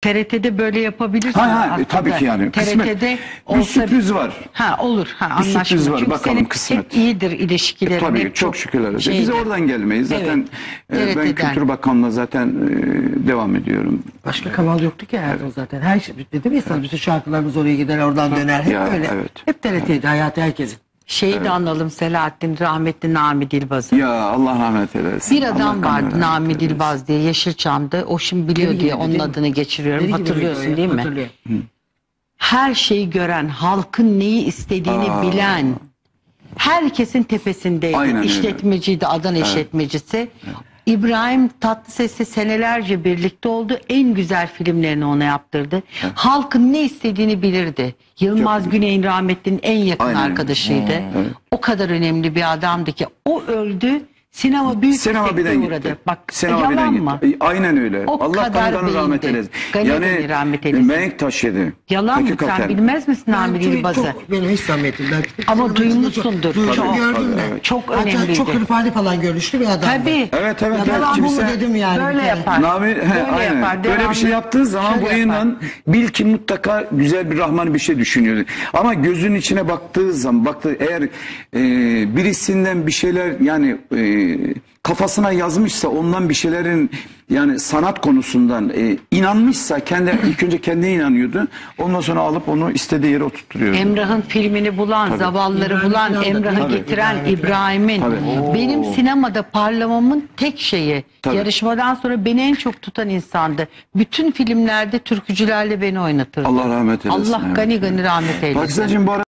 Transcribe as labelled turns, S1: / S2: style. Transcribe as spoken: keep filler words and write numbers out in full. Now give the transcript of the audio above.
S1: T R T'de böyle yapabilirsin.
S2: Ha, ha, tabii ki yani.
S1: T R T'de
S2: bir sürpriz var.
S1: Ha olur. Ha,
S2: bir sürpriz var.
S1: Çünkü
S2: bakalım kısmet.
S1: Hep iyidir ilişkilerin.
S2: E, tabii
S1: hep
S2: çok şükürler olsun. Biz oradan gelmeyiz. Zaten
S1: evet,
S2: e, ben Kültür Bakanlığı'na zaten e, devam ediyorum.
S3: Başka kanal yoktu ki herhalde evet. o zaten. Her şey dedim ya sana, bütün şarkılarımız oraya gider, oradan döner. Hep
S2: ya,
S3: öyle.
S2: Evet.
S3: Hep T R T'ydi evet. hayatı herkesin.
S1: Şeyi evet. de analım, Selahattin rahmetli Nami Dilbaz'ı.
S2: Ya Allah rahmet eylesin.
S1: Bir adam Allah vardı Nami Dilbaz diye, Yeşilçam'da. O şimdi biliyor Deli diye gibi, onun değil adını mi? geçiriyorum. Deli Hatırlıyorsun gibi, değil mi? Hatırlıyor. Her şeyi gören, halkın neyi istediğini Aa. bilen, herkesin tepesindeydi. Aynen İşletmeciydi, öyle. Adana evet. işletmecisi. Evet. İbrahim Tatlıses'le senelerce birlikte oldu. En güzel filmlerini ona yaptırdı. Evet. Halkın ne istediğini bilirdi. Yılmaz Çok Güney'in rahmetlinin en yakın Aynen. arkadaşıydı. Evet. O kadar önemli bir adamdı ki o öldü. Sinema büyük
S2: Sinema
S1: bir sekteye uğradı. Bak
S2: Sinema
S1: yalan mı?
S2: Gitti. Aynen öyle.
S1: O
S2: Allah kanı rahmet eylesin. Yani
S1: rahmet eylesin.
S2: Menk taşıdı.
S1: Yalan mı? Sen bilmez misin Nami Dilbaz'ı?
S3: Benim hiç zahmetim.
S1: Ama duymuşsundur.
S3: Çok, çok gördüm
S1: ben.
S3: Evet.
S1: Çok önemliydi.
S3: Çok hırpani falan görüşlü bir adam.
S1: Tabii.
S2: Evet evet.
S3: Ya ben bunu dedim yani.
S1: Böyle yapar.
S2: Nami, he,
S1: böyle
S2: aynen.
S1: yapar.
S2: Böyle bir şey yaptığı zaman bu inan bil ki mutlaka güzel bir Rahman bir şey düşünüyordu. Ama gözünün içine baktığı zaman baktı eğer e, birisinden bir şeyler yani e, kafasına yazmışsa ondan bir şeylerin yani sanat konusundan e, inanmışsa kendi ilk önce kendine inanıyordu. Ondan sonra alıp onu istediği yere oturtuyordu.
S1: Emrah'ın filmini bulan, Tabii. zavalları İbrahim bulan, Emrah'ı getiren İbrahim'in benim sinemada parlamamın tek şeyi. Tabii. Yarışmadan sonra beni en çok tutan insandı. Bütün filmlerde türkücülerle beni oynatırdı.
S2: Allah rahmet eylesin.
S1: Allah gani gani rahmet eylesin.